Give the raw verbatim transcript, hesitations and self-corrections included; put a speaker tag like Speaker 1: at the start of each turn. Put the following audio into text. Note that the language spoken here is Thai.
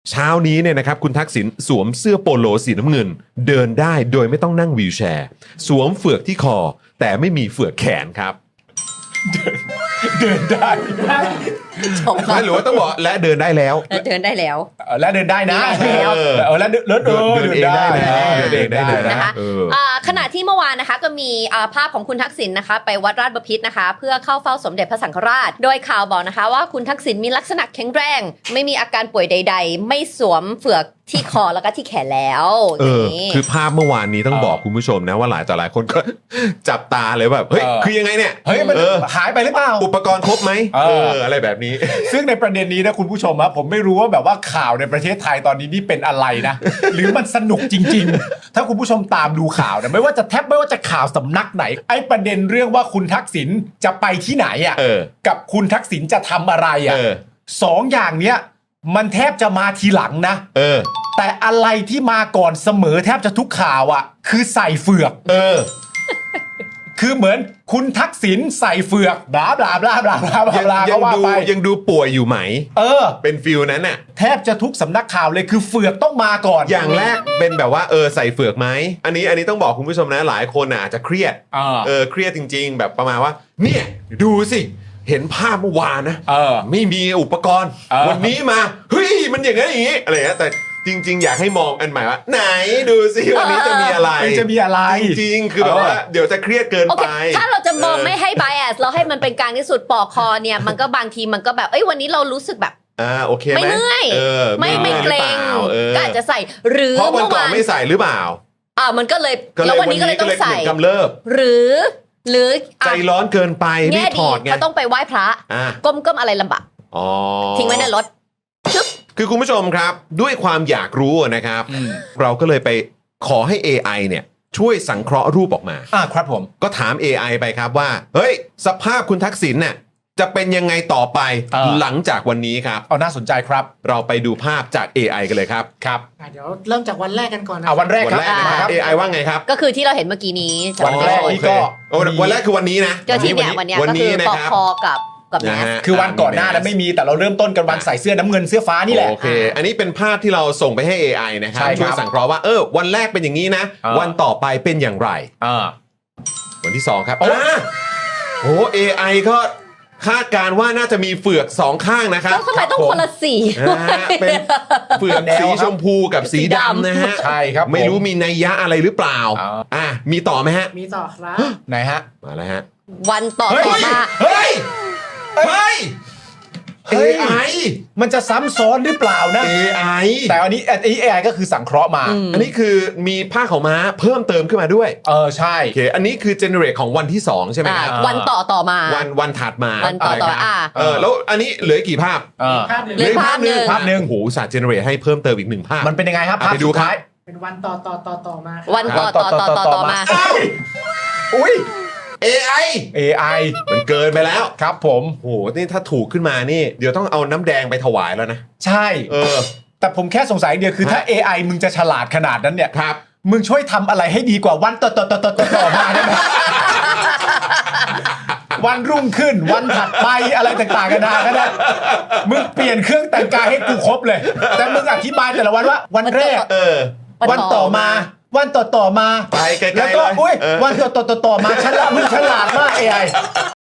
Speaker 1: เช้านี้เนี่ยนะครับคุณทักษิณสวมเสื้อโปโลสีน้ำเงินเดินได้โดยไม่ต้องนั่งวีลแชร์สวมเฟือกที่คอแต่ไม่มีเฟือกแขนครับ
Speaker 2: เดินได้
Speaker 3: ชม
Speaker 1: ไม่หรือว่าต้องบอกและเดินได้แล้ว
Speaker 3: เดินได้แล้ว
Speaker 2: เออแล้วเดินได้นะ
Speaker 3: เดินได้แล้ว
Speaker 2: เออแล้วเดินเดินเออ
Speaker 1: เดินเองได้นะเดินเองได้เลยนะ
Speaker 3: นะคะ
Speaker 1: เออ
Speaker 3: อ่าขณะที่เมื่อวานนะคะก็มีอ่าภาพของคุณทักษิณนะคะไปวัดราชบพิตรนะคะ เพื่อเข้าเฝ้าสมเด็จพระสังฆราช โดยข่าวบอกนะคะว่าคุณทักษิณมีลักษณะแข็งแรง ไม่มีอาการป่วยใด ๆ ไม่สวมเฟือกที่คอแล้วก็ที่แขนแล้ว
Speaker 1: เอ
Speaker 3: อย่าง
Speaker 1: อ
Speaker 3: นี้
Speaker 1: คือภาพเมื่อวานนี้ต้อง
Speaker 2: เออ
Speaker 1: บอกคุณผู้ชมนะว่าหลายต่อหลายคนก็ จับตาเลยแบบเฮ้ย
Speaker 2: เออ
Speaker 1: คือยังไงเนี่ย
Speaker 2: เฮ้ยมัน
Speaker 1: เออ
Speaker 2: หายไปหรือเปล่า
Speaker 1: อุปกรณ์ครบไหม
Speaker 2: เออ
Speaker 1: เอออะไรแบบนี้
Speaker 2: ซึ่งในประเด็นนี้นะคุณผู้ชมครับผมไม่รู้ว่าแบบว่าข่าวในประเทศไทยตอนนี้นี่เป็นอะไรนะ หรือมันสนุกจริง ๆ ถ้าคุณผู้ชมตามดูข่าวนะไม่ว่าจะแทบไม่ว่าจะข่าวสำนักไหนไอ้ประเด็นเรื่องว่าคุณทักษิณจะไปที่ไหนอ่ะ
Speaker 1: เออ
Speaker 2: กับคุณทักษิณจะทำอะไรอ่ะ
Speaker 1: เออ
Speaker 2: สองอย่างเนี้ยมันแทบจะมาทีหลังนะ
Speaker 1: เออ
Speaker 2: แต่อะไรที่มาก่อนเสมอแทบจะทุกข่าวอ่ะ คือใส่เฟือก
Speaker 1: เออ
Speaker 2: คือเหมือนคุณทักษิณใส่เฟือกบลาบลาบลาบลาบลาบ
Speaker 1: ยัง
Speaker 2: ลา
Speaker 1: ยั
Speaker 2: ก็
Speaker 1: ง
Speaker 2: ว่า
Speaker 1: ดู
Speaker 2: ไป
Speaker 1: ยังดูป่วยอยู่ไหม
Speaker 2: เออ
Speaker 1: เป็นฟิลนั้นน่ะ
Speaker 2: แทบจะทุกสำนักข่าวเลยคือเฟือกต้องมาก่อน
Speaker 1: อย่างแรกเป็นแบบว่าเออใส่เฟือกไหมอันนี้อันนี้ต้องบอกคุณผู้ชมนะหลายคนน่ะอาจจะเครียด
Speaker 2: เออ
Speaker 1: เออเครียดจริง ๆ แบบประมาณว่า เนี่ยดูสิเห็นภาพเมื่อวานนะ
Speaker 2: เออ
Speaker 1: ไม่มีอุปกรณ์
Speaker 2: เออ
Speaker 1: วันนี้มาเฮ้ยมันอย่างนั้นอย่างนี้อะไรเงี้ยแต่จริง ๆ อยากให้มองอันใหม่ว่า ไหนดูสิวันนี้จะมีอะไร
Speaker 2: มันจะมีอะไร
Speaker 1: จริงๆคือแบบว่าเดี๋ยวจะเครียดเกิน
Speaker 3: โอ
Speaker 1: ไป
Speaker 3: เคถ้าเราจะมองไม่ให้ bias เราให้มันเป็นกลางที่สุดปอกคอเนี่ยมันก็บางทีมันก็แบบเอ้ยวันนี้เรารู้สึกแบบ
Speaker 1: อ่าโอเคไหม
Speaker 3: ไม่เมื่อย
Speaker 1: เออ
Speaker 3: ไม่ไม่เกรง
Speaker 1: หอปล่าเออ
Speaker 3: ก็อาจจะใส่หรือ
Speaker 1: เพราะวัน
Speaker 3: เมื่อ
Speaker 1: ก่อน
Speaker 3: วาน
Speaker 1: ไม่ใส่หรือเปล่า
Speaker 3: อ่ามันก็เลย
Speaker 1: ก็เลย
Speaker 3: แล้ววันนี้ก็เลยต้องใส่
Speaker 1: เหมือนกำเริบ
Speaker 3: หรือ หรือ
Speaker 1: ใจ
Speaker 3: อ่ะ
Speaker 1: ร้อนเกินไปรี
Speaker 3: แง่
Speaker 1: บถ
Speaker 3: ดี
Speaker 1: อดไง
Speaker 3: เขาต้องไปไหว้พระ
Speaker 1: อ่า
Speaker 3: ก้มก้มอะไรลำบาก
Speaker 1: อ๋อ
Speaker 3: ทิ้งไว้ในรถชึบ
Speaker 1: คือคุณผู้ชมครับด้วยความอยากรู้นะครับ
Speaker 2: อืม
Speaker 1: เราก็เลยไปขอให้ เอ ไอ เนี่ยช่วยสังเคราะห์รูปออกมา
Speaker 2: อ่าครับผม
Speaker 1: ก็ถาม เอ ไอ ไปครับว่า เฮ้ย สภาพคุณทักษิณเนี่ยจะเป็นยังไงต่อไป
Speaker 2: เออ
Speaker 1: หลังจากวันนี้ครับ
Speaker 2: เอาน่าสนใจครับ
Speaker 1: เราไปดูภาพจาก เอ ไอ กันเลยครับ
Speaker 2: ครับ
Speaker 4: อ่ะเดี๋ยวเริ่มจากวันแรกกันก่อนนะ
Speaker 2: อ่าวันแรก
Speaker 1: วัน
Speaker 2: ครับ
Speaker 1: แรกนะครับ เอ ไอ ว่าไงครับ
Speaker 3: ก็คือที่เราเห็นเมื่อกี้นี้
Speaker 2: วันแรก
Speaker 1: อ๋อ
Speaker 2: นี่
Speaker 1: โอเค
Speaker 2: ก็
Speaker 1: โอ้วันแรกคือวันนี้นะ
Speaker 3: ก็ที่เนี่ยวันเนี้ย
Speaker 1: วัน
Speaker 3: ก็
Speaker 1: นี้
Speaker 3: คือ
Speaker 1: นะ
Speaker 3: ปอก
Speaker 1: ครับ
Speaker 3: คอกับกับแม
Speaker 1: นะ
Speaker 3: ส
Speaker 1: ฮะ
Speaker 2: คือวันก่อนหน้านั้นไม่มีแต่เราเริ่มต้นกันวันใส่เสื้อน้ำเงินเสื้อฟ้านี่แหละ
Speaker 1: โอเค อันนี้เป็นภาพที่เราส่งไปให้ เอ ไอ นะครับ
Speaker 2: ใช่ครับ
Speaker 1: ช่วยสังเคราะห์ว่าเออวันแรกเป็นอย่างนี้นะ
Speaker 2: เออ
Speaker 1: วันต่อไปเป็นอย่างไร
Speaker 2: อ่า
Speaker 1: วันที่สองครับ
Speaker 2: โอ้
Speaker 1: อ่าโอ้ เอ ไอ ก็คาดการณ์ว่าน่าจะมีเฟือกสองข้างนะครับ
Speaker 3: แล้วทำไมต้องคนละสี
Speaker 1: นะฮะเป็นเฟือก
Speaker 2: แนว
Speaker 1: สี
Speaker 2: ครับ
Speaker 1: ชมพูกับสี
Speaker 3: สีดำ
Speaker 1: ดำนะฮะ
Speaker 2: ใช่ครับ
Speaker 1: ไม่รู้
Speaker 2: ผ
Speaker 1: มีนัยยะอะไรหรือเปล่า
Speaker 2: อ่า
Speaker 1: อ่ะมีต่อไหมฮะ
Speaker 4: มีต่อครับ
Speaker 2: ไหนฮะ
Speaker 1: มาแล้วฮะ
Speaker 3: วันต่อ
Speaker 2: เฮ้ย
Speaker 3: ต่อมา
Speaker 1: เฮ้ย เฮ้ย
Speaker 2: เฮ้ย
Speaker 1: เอ ไอ
Speaker 2: มันจะซ้ำซ้อนหรือเปล่านะ
Speaker 1: เอ ไอ
Speaker 2: แต่อันนี้อันนี้ เอ ไอ ก็คือสังเคราะห์มา
Speaker 3: อืม
Speaker 1: อันนี้คือมีผ้าขาวม้าเพิ่มเติมขึ้นมาด้วย
Speaker 2: เออใช่
Speaker 1: โอเค อันนี้คือเจเนเรตของวันที่สองใช่ไหม
Speaker 3: อ่า
Speaker 1: ครับ
Speaker 3: วันต่อต่อมา
Speaker 1: วันวันถัดมา
Speaker 3: วันต่อต่อ
Speaker 1: นะครับ
Speaker 3: อ่า
Speaker 1: เออแล้วอันนี้เหลือกี่ภาพ
Speaker 2: เออ
Speaker 4: ภาพหนึ่ง
Speaker 3: เหลือภาพหนึ่ง
Speaker 2: ภาพหนึ่ง
Speaker 1: โอ้โหศาสตร์เจเนเรตให้เพิ่มเติมอีกหนึ่งภาพ
Speaker 2: มันเป็นยังไงครับ
Speaker 1: อ่ะ
Speaker 2: ภาพ
Speaker 1: ไปดู
Speaker 2: สุดท้าย
Speaker 4: เป็นวันต่อต่อต่อต่อมาครับ
Speaker 3: วันต่อต่อต่อต่อต่อมา
Speaker 2: อ้าวอุ้ย
Speaker 1: เอ ไอ
Speaker 2: เอ ไอ
Speaker 1: มันเกินไปแล้ว
Speaker 2: ครับผม
Speaker 1: โอ้โหนี่ถ้าถูกขึ้นมานี่ เดี๋ยวต้องเอาน้ำแดงไปถวายแล้วนะ
Speaker 2: ใช่
Speaker 1: เออ
Speaker 2: แต่ผมแค่สงสัยอย่างเดียวคือถ้า เอ ไอ มึงจะฉลาดขนาดนั้นเนี่ย
Speaker 1: ครับ
Speaker 2: มึงช่วยทำอะไรให้ดีกว่าวันต่อต่อต่อต่อต่อต่อมาได้ไหม วันรุ่งขึ้นวันถัดไปอะไรต่างๆกันานาก็ได้มึงเปลี่ยนเครื่องแต่งกายให้กูครบเลย แต่มึงอธิบายแต่ละวันว่า วันแรก
Speaker 1: เออ
Speaker 2: วันต่อมา วันต่อต่อมา
Speaker 1: ไปไกลๆ
Speaker 2: แล้วก็
Speaker 1: เลย
Speaker 2: อุ้ย
Speaker 1: เออ
Speaker 2: วันต่อต่อต่อต่อมาฉลาดมึงฉลาดมาก เอ ไอ